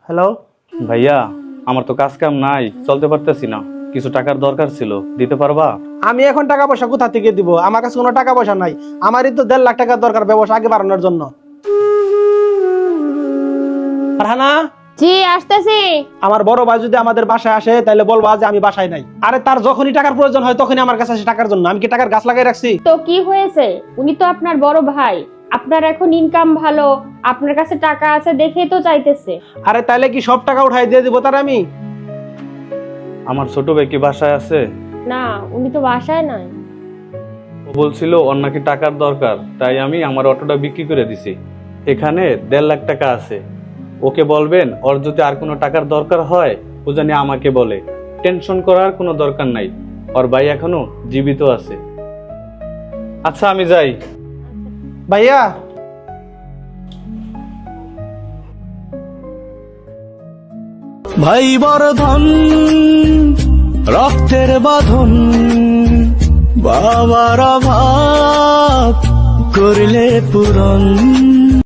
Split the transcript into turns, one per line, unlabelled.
Hello
ভাইয়া, আমার তো কাজ কাম নাই, চলতে পারতেছি না, কিছু টাকার দরকার ছিল, দিতে পারবা?
আমি এখন টাকা পয়সা কোথা থেকে দিব? আমার কাছে কোনো টাকা পয়সা নাই। আমারই তো 1.5 লাখ টাকার দরকার ব্যবসা আগে বাড়ানোর জন্য। ফারহানা,
জি আসতেছি।
আমার বড় ভাই যদি আমাদের বাসায় আসে তাহলে বলবা যে আমি বাসায় নাই। আরে তার যখনই টাকার প্রয়োজন হয় তখনই আমার কাছে আসে টাকার জন্য। আমি কি টাকার গাছ লাগাই রাখছি?
তো কি হয়েছে? উনি তো আপনার বড় ভাই, আপনার এখন ইনকাম ভালো, আপনার কাছে টাকা আছে দেখেই তো চাইতেছে।
আরে তাহলে কি সব টাকা উঠাই দিয়ে দিব তার আমি?
আমার ছোট ভাই কি বাসায় আছে?
না, উনি তো বাসায় নাই।
ও বলছিল ওর নাকি টাকার দরকার, তাই আমি আমার অটোটা বিক্রি করে দিছি। এখানে 1.5 লাখ টাকা আছে। ওকে বলবেন ওর যদি আর কোনো টাকার দরকার হয় ও জানি আমাকে বলে। টেনশন করার কোনো দরকার নাই, ওর ভাই এখনো জীবিত আছে। আচ্ছা আমি যাই।
ভাইয়া,
ভাই বর্ধন রক্তের বাঁধন, বাবার অভাব করলে পূরণ।